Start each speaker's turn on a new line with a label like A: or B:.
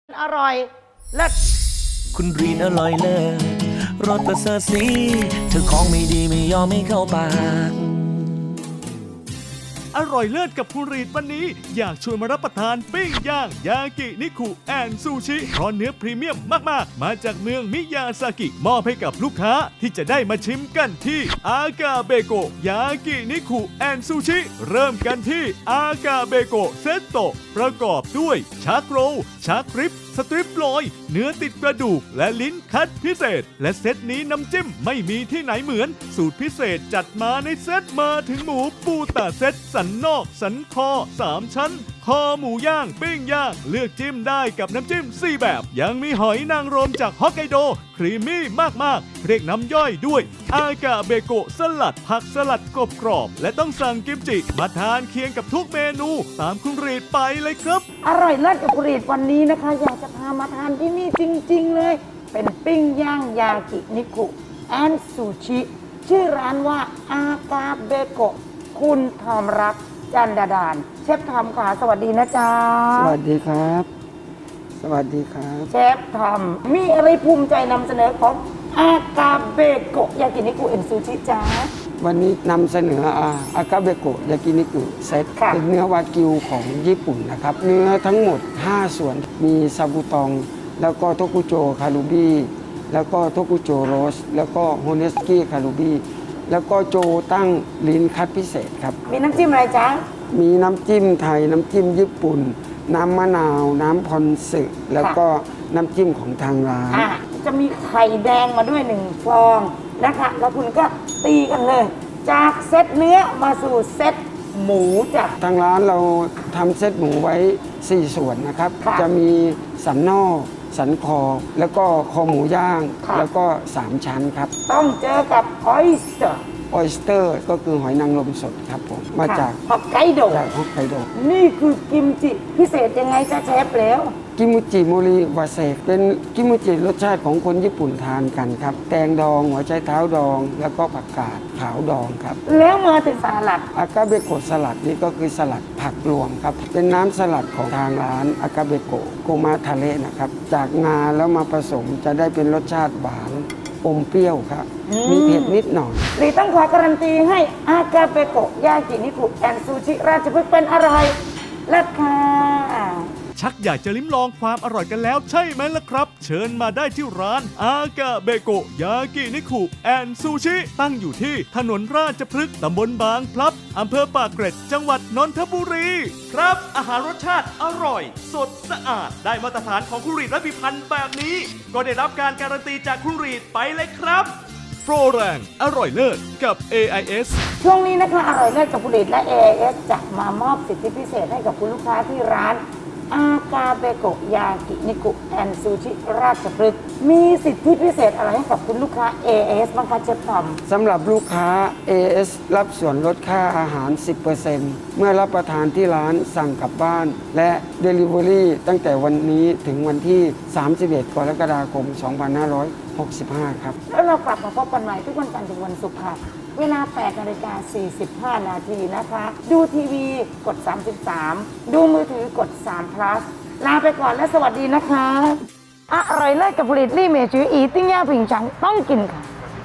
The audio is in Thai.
A: อร่อยเลิศ
B: คุณรีนอร่อยเลิศรสประเสริฐสีเธอของไม่ดีไม่ยอมไม่เข้าปาก
C: อร่อยเลิศกับคุณรีดวันนี้อยากชวนมารับประทานปิ้งย่างยากินิคุแอนซูชิเพราะเนื้อพรีเมียมมากๆมาจากเมืองมิยาซากิมอบให้กับลูกค้าที่จะได้มาชิมกันที่อากาเบโกะยากินิคุแอนซูชิเริ่มกันที่อากาเบโกะเซตโตะประกอบด้วยชาโกรชาคริปสตริปลอยเนื้อติดกระดูกและลิ้นคัดพิเศษและเซตนี้น้ำจิ้มไม่มีที่ไหนเหมือนสูตรพิเศษจัดมาในเซตมาถึงหมูปูตาเซตสันนอกสันคอ3ชั้นคอหมูย่างปิ้งย่างเลือกจิ้มได้กับน้ำจิ้ม4แบบยังมีหอยนางรมจากฮอกไกโดครีมมี่มากๆเรียกน้ำย่อยด้วยอากาเบโกะสลัดผักสลัดกรอบๆและต้องสั่งกิมจิมาทานเคียงกับทุกเมนูตามคุณรีดไปเลยครับ
A: อร่อยเลิศกับคุณรีดวันนี้นะคะอยากจะพามาทานที่นี่จริงๆเลยเป็นปิ้งย่างยากินิคุแอนซูชิชื่อร้านว่าอากาเบโกะคุณทอมรักจันดาดานเชฟทอมค่ะสวัสดีนะจ๊ะ
D: สวัสดีครับ สวัสดีครับ
A: เชฟทอมมีอะไรภูมิใจนำเสนอของอากาเบโกะยากินิคุแอนซูชิจ้า
D: วันนี้นำเสนออากาเบโกะยากินิกุเซตเป็นเนื้อวากิวของญี่ปุ่นนะครับเนื้อทั้งหมด5ส่วนมีซาบูตองแล้วก็โทกุโจคารุบิแล้วก็โทกุโจโรสแล้วก็โฮเนสกิคารุบิแล้วก็โจตั้งลิ้นคัดพิเศษครับ
A: มีน้ำจิ้มอะไรจ๊ะ
D: มีน้ำจิ้มไทยน้ำจิ้มญี่ปุ่นน้ำมะนาวน้ำพอนสึแล้วก็น้ำจิ้มของทางร้าน
A: จะมีไข่แดงมาด้วย1ฟองนะคะแล้วคุณก็ตีกันเลยจากเซตเนื้อมาสู่เซตหมูจ้ะ
D: ทางร้านเราทำเซตหมูไว้4ส่วนนะครับจะมีสันนอกสันคอแล้วก็คอหมูย่างแล้วก็3ชั้นครับ
A: ต้องเจอกับออยสเตอร์
D: ก็คือหอยนางรมสดครับผมมาจาก
A: ฮอกไกโดนี่คือกิมจิพิเศษยังไงจ๊ะเชฟแล้ว
D: กิมุจิโมริวาเซกเป็นกิมุจิรสชาติของคนญี่ปุ่นทานกันครับแตงดองหัวไชเท้าดองแล้วก็ผักกาดขาวดองครับ
A: แล้วมาถึงสลัด
D: อากาเบโกะสลัดนี่ก็คือสลัดผักรวมครับเป็นน้ำสลัดของทางร้านอากาเบโกะโกมาทาเระนะครับจากงาแล้วมาผสมจะได้เป็นรสชาติหวานอมเปรี้ยวครับมีเผ็ดนิดหน่อย
A: รีต้องขอการันตีให้อากาเบโกะยากินิคุแอนซูชิราชพฤกษ์เป็นอร่อยเลิศค่ะ
C: ชักอยากจะลิ้มลองความอร่อยกันแล้วใช่ไหมล่ะครับเชิญมาได้ที่ร้านอากาเบโกะยากินิคุแอนซูชิตั้งอยู่ที่ถนนราชพฤกษ์ตำบลบางพลับอำเภอปากเกร็ดจังหวัดนนทบุรีครับอาหารรสชาติอร่อยสดสะอาดได้มาตรฐานของคุณรีดและพิพันธ์แบบนี้ก็ได้รับการการันตีจากคุณรีดไปเลยครับโปรแรงอร่อยเลิศกับ AIS
A: ช่วงนี้นะคะอร่อยเลิศกับคุณรีดและ AIS จะมามอบสิทธิพิเศษให้กับคุณลูกค้าที่ร้านอากาเบโกะยากินิคุแอนซูชิราชพฤกษ์มีสิทธิพิเศษอะไรให้กับคุณลูกค้า AS บ้างคะเชฟทอม
D: สำหรับลูกค้า AS รับส่วนลดค่าอาหาร 10% เมื่อรับประทานที่ร้านสั่งกลับบ้านและ Delivery ตั้งแต่วันนี้ถึงวันที่ 31 กรกฎาคม 2565 ครับ
A: แล้วเรากลับมาพบกันใหม่ทุกวันจันทร์ถึงวันศุกร์ค่ะเวลา 8:45 นาทีนะคะดูทีวีกด33ดูมือถือกด3 plus ลาไปก่อนและสวัสดีนะคะอร่อยเลิศกับผลิตลี่เมจืออีติ้งย่าผิงฉังต้องกินค่ะ